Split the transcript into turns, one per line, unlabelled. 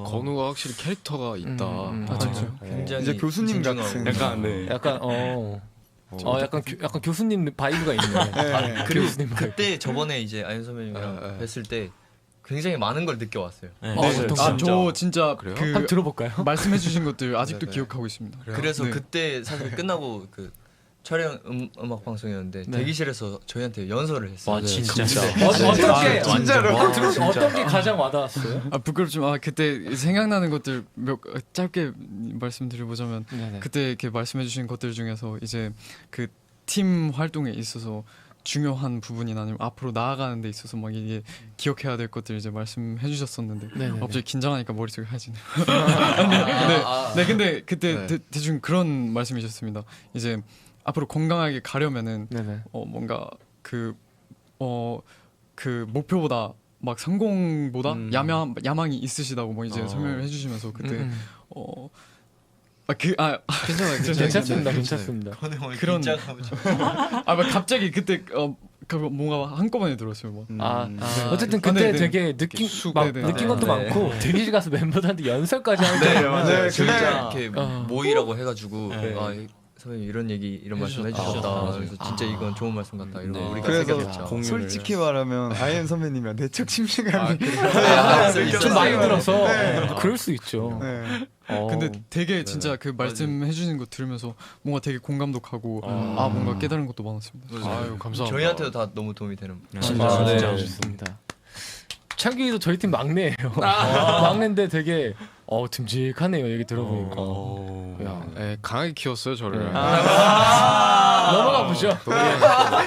건우가 확실히 캐릭터가 있다.
맞죠.
굉장히
이제 교수님 같은.
약간 네.
약간 약간 교수님 바이브가 있네.
네.
그리고
교수님 바이브.
그때 저번에 이제 아이언 선배님이랑 뵀을 때 굉장히 많은 걸 느껴왔어요.
어떤 거?
저 진짜
그래요?
한번 들어볼까요?
말씀해주신 것들 아직도
네.
기억하고 있습니다.
그래서
네.
그때 사실 끝나고 그 촬영 음악 방송이었는데
네.
대기실에서 저희한테 연설을 했어요.
와 진짜.
어떤 게
진짜로?
어떤 게 가장 와닿았어요?
부끄럽지만 그때 생각나는 것들 짧게 말씀드려보자면
네네.
그때 이렇게 말씀해주신 것들 중에서 이제 그 팀 활동에 있어서 중요한 부분이나 아니면 앞으로 나아가는 데 있어서 막 이게 기억해야 될 것들 이제 말씀해주셨었는데
네네네.
갑자기 긴장하니까 머릿속이 하얘지네요.
아.
네, 근데 그때
네.
대충 그런 말씀이셨습니다. 이제 앞으로 건강하게 가려면은
네네.
뭔가 그 목표보다 막 성공보다 야망이 있으시다고 뭐 이제 설명을 해주시면서 그때
괜찮습니다. 괜찮습니다.
그런-
긴장하고 좀-
막 갑자기 그때 뭔가 한꺼번에 들었어요. 뭐.
어쨌든
네,
그때
네.
되게 느낀 막
네, 네.
느낀 것도
네.
많고 대기실 가서 멤버들한테 연설까지 하는 거.
맞아요.
진짜 이렇게
어.
모이라고 해가지고
네.
선배님 이런 얘기 이런 말씀 해주셨다.
맞아요.
그래서 진짜 이건 좋은 말씀 같다. 이런
네.
거 우리가
그래서
새겨냈죠.
솔직히 말하면 아이엠 선배님이랑 내적 침체감이
좀 많이 들어서
네.
그럴 수 있죠.
네.
어.
근데 되게 진짜 그 말씀해 주시는 거 들으면서 뭔가 되게 공감도 가고 뭔가 깨달은 것도 많았습니다.
아유 감사합니다.
저희한테도 다 너무 도움이 되는.
진짜
네.
진짜 좋습니다. 창규이도 저희 팀 막내예요. 막내인데 되게 듬직하네요. 얘기 들어보니까. 야,
네, 강하게 키웠어요 저를.
넘어가 보죠.